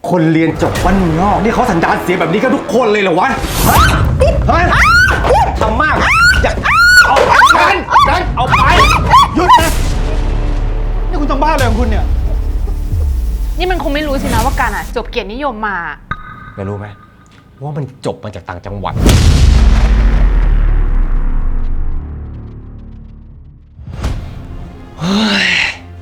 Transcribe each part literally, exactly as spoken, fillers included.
คนเรียนจบบ้านนอกนี่เขาสันดานเสียแบบนี้กันทุกคนเลยเหรอวะเฮ้ยทำมากอยากเอากันกันเอาไปหยุดนะนี่คุณทำบ้าอะไรของคุณเนี่ยนี่มันคงไม่รู้สินะว่าการอ่ะจบเกียรตินิยมมาไม่รู้ไหมว่ามันจบมาจากต่างจังหวัดเฮ้ย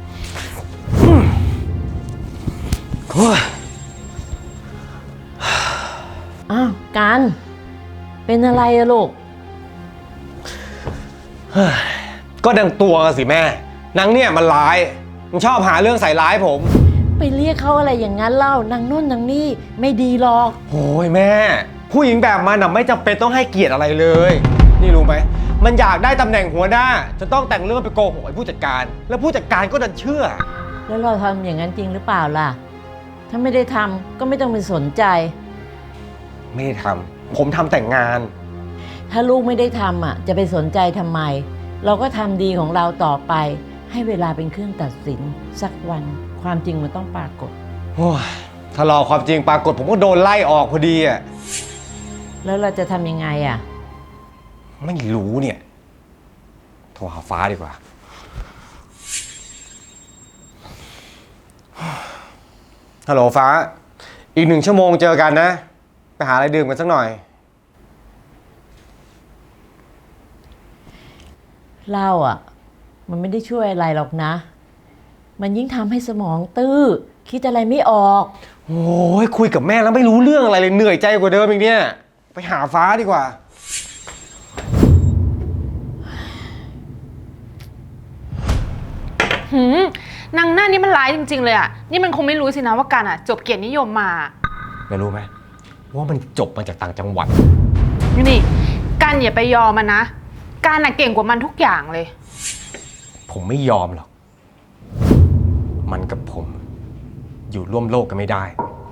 อ้าวกันเป็นอะไรอะลูกก็ดังตัวสิแม่นางเนี่ยมันร้ายมันชอบหาเรื่องใส่ร้ายผมไปเรียกเขาอะไรอย่างนั้นเล่านางนู่นนางนี่ไม่ดีหรอกโอ้ยแม่ผู้หญิงแบบมันน่ะไม่จำเป็นต้องให้เกียรติอะไรเลยนี่รู้ไหมมันอยากได้ตำแหน่งหัวหน้าจะต้องแต่งเรื่องไปโกหกไอ้ผู้จัดการแล้วผู้จัดการก็ดันเชื่อแล้วเราทำอย่างนั้นจริงหรือเปล่าล่ะถ้าไม่ได้ทำก็ไม่ต้องไปสนใจไม่ได้ทำผมทำแต่งงานถ้าลูกไม่ได้ทำอ่ะจะไปสนใจทำไมเราก็ทำดีของเราต่อไปให้เวลาเป็นเครื่องตัดสินสักวันความจริงมันต้องปรากฏโอ้ยถ้ารอความจริงปรากฏผมก็โดนไล่ออกพอดีอ่ะแล้วเราจะทำยังไงอ่ะไม่รู้เนี่ยโทรหาฟ้าดีกว่าฮัลโหลฟ้าอีกหนึ่งชั่วโมงเจอกันนะไปหาอะไรดื่มกันสักหน่อยเหล้าอ่ะมันไม่ได้ช่วยอะไรหรอกนะมันยิ่งทำให้สมองตื้อคิดอะไรไม่ออกโอ้ยคุยกับแม่แล้วไม่รู้เรื่องอะไรเลยเหนื่อยใจกว่าเดิมอีกเนี่ยไปหาฟ้าดีกว่าหืมนางหน้านี่มันร้ายจริงๆเลยอ่ะนี่มันคงไม่รู้สินะว่าการอ่ะจบเกียรตินิยมมาไม่รู้ไหมว่ามันจบมาจากต่างจังหวัดนี่การอย่าไปยอมมันนะการอ่ะเก่งกว่ามันทุกอย่างเลยผมไม่ยอมหรอกมันกับผมอยู่ร่วมโลกกันไม่ได้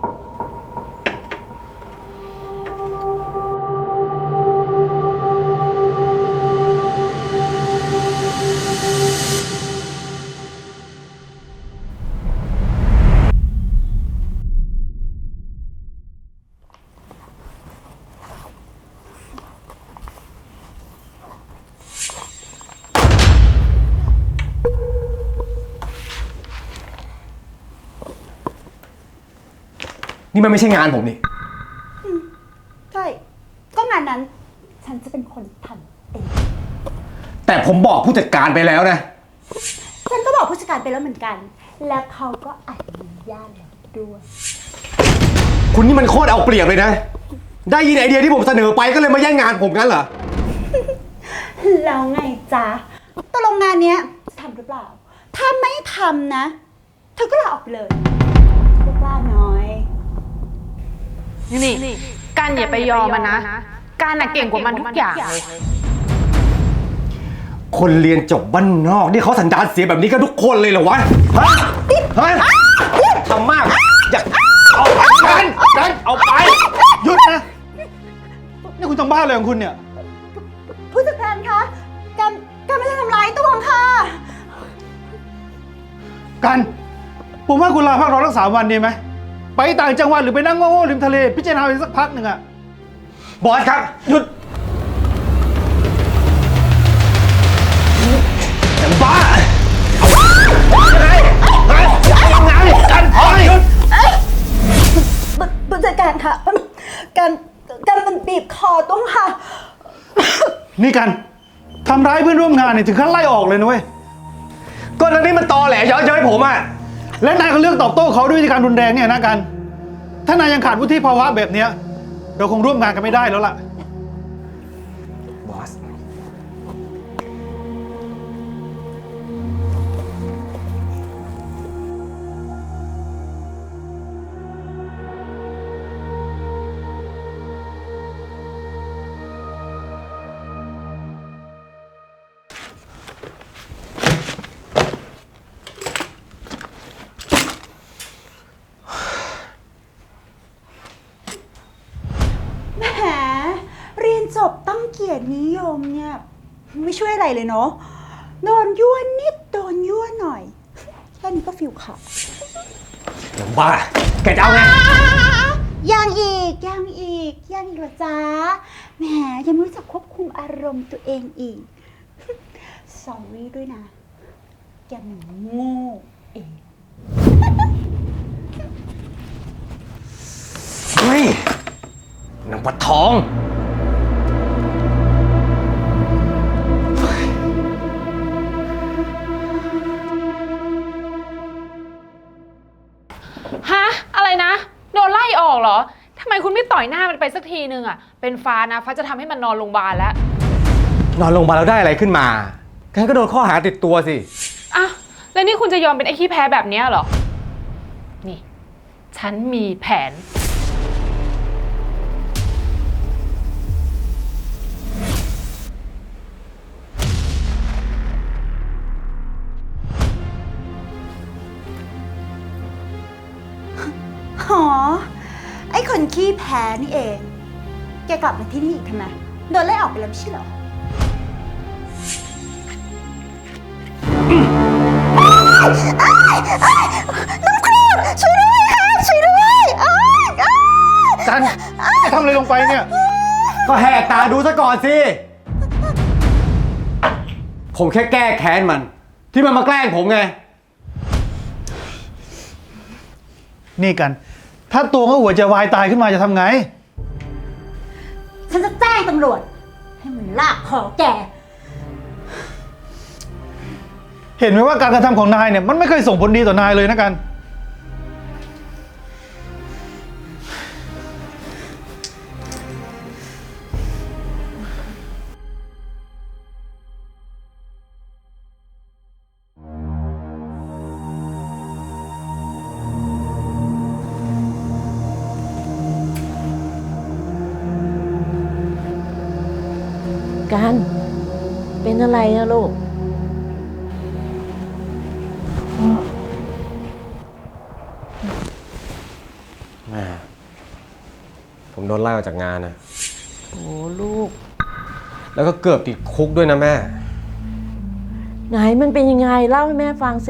นี่มันไม่ใช่งานผมนี่ใช่ก็งานนั้นฉันจะเป็นคนทำเองแต่ผมบอกผู้จัดการไปแล้วนะฉันก็บอกผู้จัดการไปแล้วเหมือนกันและเขาก็อนุญาตแล้วด้วยคุณนี่มันโคตรเอาเปรียบเลยนะได้ยินไอเดียที่ผมเสนอไปก็เลยมาแย่งงานผมงั้นเหรอแล้วไงจ๊ะตกลงงานเนี้ยจะทำหรือเปล่าถ้าไม่ทำนะเธอก็ลาออกไปเลยลูกล้าน้อยนี่การอย่าไปยอมมันนะการอ่ะเก่งกว่ามันทุกอย่างเลยคนเรียนจบบ้านนอกนี่เขาสันดานเสียแบบนี้กันทุกคนเลยเหรอวะฮะฮะทำมากอยากเอากันกันเอาไปหยุดนะนี่คุณทำบ้าอะไรของคุณเนี่ยผู้จัดการคะการการไม่ได้ทำร้ายตัวค่ะกันผมว่าคุณลาพักร้อนสักสามวันดีไหมไปต่างจังหวัดหรือไปนั่งโง่ๆริมทะเลพิจารณาอีกสักพักหนึ่งอะบอสครับหยุดแต่บ้ายังไงยังไงกันพอหยุดผู้จัดการคะการการมันบีบคอตัวค่ะนี่กันทำร้ายเพื่อนร่วมงานเนี่ยถึงขั้นไล่ออกเลยนะเว้ยก็นั่นนี่มันตอแหลเย้อยๆผมอะและนายก็เลือกตอบโต้เขาด้วยวิธีการรุนแรงเนี่ยนะกันถ้านายยังขาดวุฒิภาวะแบบนี้เราคงร่วมงานกันไม่ได้แล้วล่ะบอสจบต้องเกียรตินิยมเนี่ยไม่ช่วยอะไรเลยเนาะโดนยั่วนิดโดนยั่วหน่อยแค่นี้ก็ฟิลขาดหนังบ้า แกจะเอาไงยังอีกยังอีกยังอีกเหรอจ๊ะแหมยังไม่รู้จักควบคุมอารมณ์ตัวเองอีก sorry ด้วยนะ แกมันโง่เองเฮ้ยนางปะทองฮะ อะไรนะ โดนไล่ออกเหรอ ทำไมคุณไม่ต่อยหน้ามันไปสักทีนึงอะเป็นฟ้านะฟ้าจะทำให้มันนอนโรงพยาบาลแล้วนอนโรงพยาบาลแล้วได้อะไรขึ้นมางั้นก็โดนข้อหาติดตัวสิอ่ะ แล้วนี่คุณจะยอมเป็นไอ้ขี้แพ้แบบเนี้ยเหรอ นี่ ฉันมีแผนหอ ไอ้คนขี้แพ้นี่เอง แกกลับมาที่นี่อีกทำไม โดนไล่ออกไปแล้วไม่ใช่เหรอ น้ำครูดช่วยด้วยค่ะช่วยด้วยอ้ายอ้ายกันจะทำอะไรลงไปเนี่ยก็แหกตาดูซะก่อนสิ ผมแค่แก้แค้นมัน ที่มันมาแกล้งผมไงนี่กัน ถ้าตัวเขาหัวใจวายตายขึ้นมาจะทำไงฉันจะแจ้งตำรวจ ให้มันลากคอแกเห็นไหมว่าการกระทำของนายเนี่ยมันไม่เคยส่งผลดีต่อนายเลยนะกันกันเป็นอะไรนะลูกแม่ผมโดนไล่ออกจากงานนะโอ้ลูกแล้วก็เกือบติดคุกด้วยนะแม่ไหนมันเป็นยังไงเล่าให้แม่ฟังสิ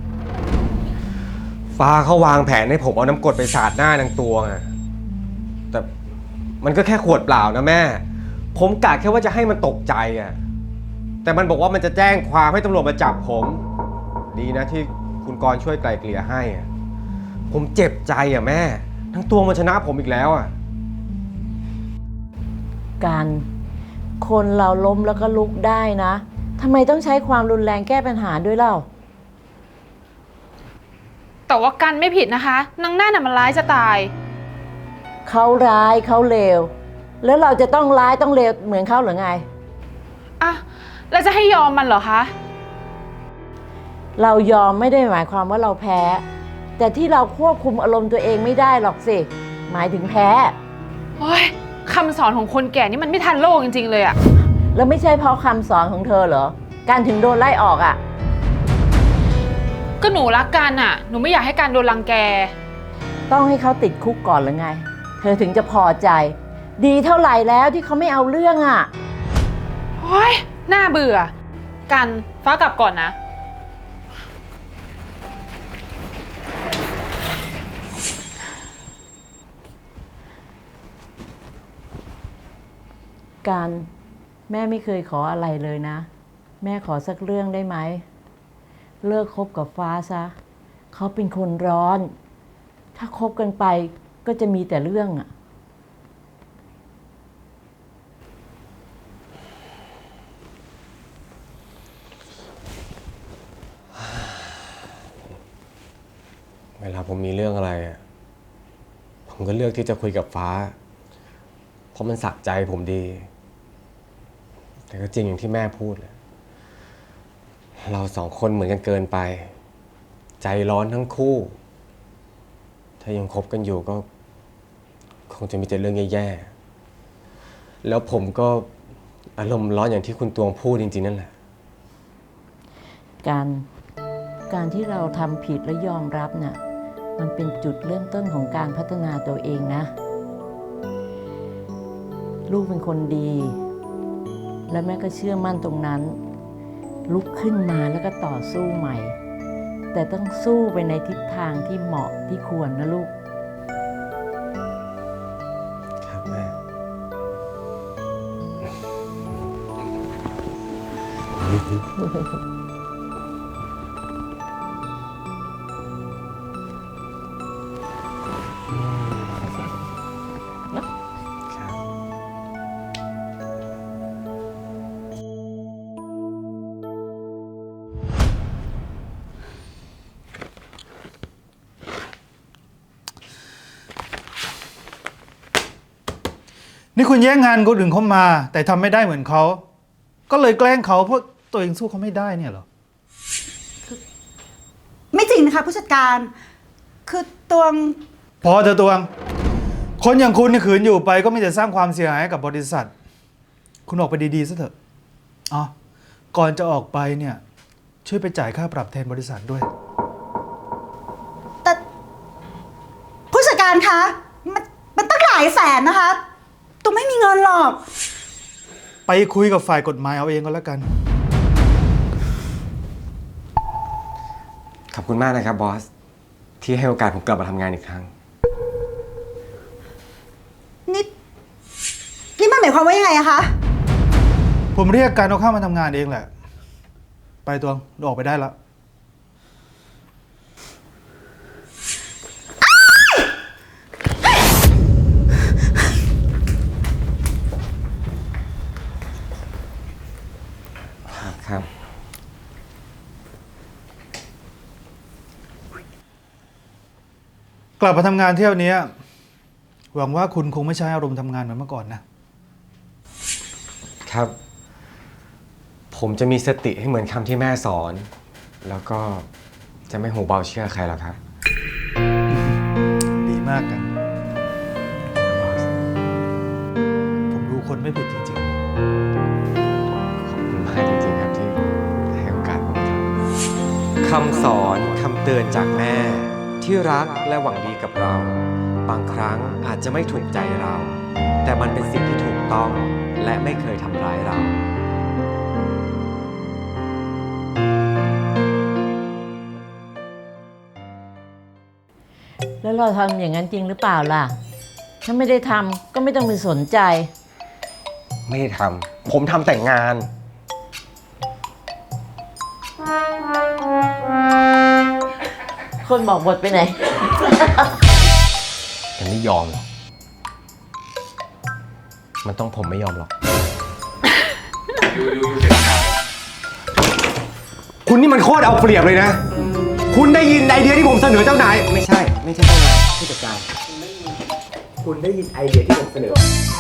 ฟ้าเขาวางแผนให้ผมเอาน้ำกรดไปสาดหน้านางตัวไงแต่มันก็แค่ขวดเปล่านะแม่ ผมกะแค่ว่าจะให้มันตกใจอะแต่มันบอกว่ามันจะแจ้งความให้ตำรวจมาจับผม ดีนะที่คุณกรณ์ช่วยไกล่เกลี่ยให้อะผมเจ็บใจอะแม่ ทั้งตัวมันชนะผมอีกแล้วอะการคนเราล้มแล้วก็ลุกได้นะทำไมต้องใช้ความรุนแรงแก้ปัญหาด้วยเล่าแต่ว่ากันไม่ผิดนะคะนางหน้าน่ะมันร้ายจะตายเขาร้ายเขาเลวแล้วเราจะต้องร้ายต้องเลวเหมือนเขาหรือไงอ่ะ แล้วจะให้ยอมมันเหรอคะเรายอมไม่ได้หมายความว่าเราแพ้ แต่ที่เราควบคุมอารมณ์ตัวเองไม่ได้หรอกสิหมายถึงแพ้โอ้ยคำสอนของคนแก่นี่มันไม่ทันโลกจริงๆเลยอะแล้วไม่ใช่เพราะคำสอนของเธอเหรอการถึงโดนไล่ออกอ่ะก็หนูรักกันอะหนูไม่อยากให้การโดนรังแกต้องให้เขาติดคุกก่อนหรือไง เธอถึงจะพอใจ ดีเท่าไหร่แล้วที่เขาไม่เอาเรื่องอ่ะโอ้ยน่าเบื่อ กันฟ้ากลับก่อนนะการแม่ไม่เคยขออะไรเลยนะ แม่ขอสักเรื่องได้ไหม เลิกคบกับฟ้าซะ เขาเป็นคนร้อน ถ้าคบกันไปก็จะมีแต่เรื่องอ่ะเวลาผมมีเรื่องอะไรอะผมก็เลือกที่จะคุยกับฟ้า เพราะมันสะใจผมดี แต่ก็จริงอย่างที่แม่พูดเลยเราสองคนเหมือนกันเกินไป ใจร้อนทั้งคู่ ถ้ายังคบกันอยู่ก็คงจะมีแต่เรื่องแย่ๆแล้วผมก็อารมณ์ร้อนอย่างที่คุณตวงพูดจริงๆนั่นแหละการการที่เราทำผิดและยอมรับน่ะมันเป็นจุดเริ่มต้นของการพัฒนาตัวเองนะ ลูกเป็นคนดี และแม่ก็เชื่อมั่นตรงนั้น ลุกขึ้นมาแล้วก็ต่อสู้ใหม่แต่ต้องสู้ไปในทิศทางที่เหมาะที่ควรนะลูกครับแม่ ครับนี่คุณแย่งงานคนอื่นเขามา แต่ทำไม่ได้เหมือนเขา ก็เลยแกล้งเขาเพราะตัวเองสู้เขาไม่ได้เนี่ยเหรอไม่จริงนะคะผู้จัดการ คือตวงพอเถอะตวง คนอย่างคุณเนี่ยขืนอยู่ไปก็มีแต่สร้างความเสียหายให้กับบริษัท คุณออกไปดีๆซะเถอะอ๋อก่อนจะออกไปเนี่ย ช่วยไปจ่ายค่าปรับแทนบริษัทด้วยแต่ผู้จัดการคะ มันมันตั้งหลายแสนนะคะตัวไม่มีเงินหรอกไปคุยกับฝ่ายกฎหมายเอาเองก็แล้วกันขอบคุณมากนะครับบอส ที่ให้โอกาสผมกลับมาทำงานอีกครั้งนี่นี่มันหมายความว่ายังไงอะคะผมเรียกการเอาเข้ามาทำงานเองแหละ ไปตวงออกไปได้แล้วครับกลับมาทำงานเที่ยวนี้หวังว่าคุณคงไม่ใช้อารมณ์ทำงานเหมือนเมื่อก่อนนะครับ ผมจะมีสติให้เหมือนคำที่แม่สอน แล้วก็จะไม่หูเบาเชื่อใครหรอกครับดีมากกัน ผมดูคนไม่ผิดจริงขอบคุณมากจริงๆครับที่ให้โอกาสผมครับคำสอนคำเตือนจากแม่ที่รักและหวังดีกับเรา บางครั้งอาจจะไม่ถูกใจเรา แต่มันเป็นสิ่งที่ถูกต้องและไม่เคยทำร้ายเราแล้วเราทำอย่างนั้นจริงหรือเปล่าล่ะ ถ้าไม่ได้ทำก็ไม่ต้องไปสนใจไม่ได้ทำ ผมทำแต่งงานคนบอกบทไปไหนแต่ไม่ยอมหรอก มันต้องผมไม่ยอมหรอก คุณนี่มันโคตรเอาเปรียบเลยนะ คุณได้ยินไอเดียที่ผมเสนอเจ้านาย ไม่ใช่ ไม่ใช่เจ้านายผู้จัดการ คุณได้ยินไอเดียที่ผมเสนอ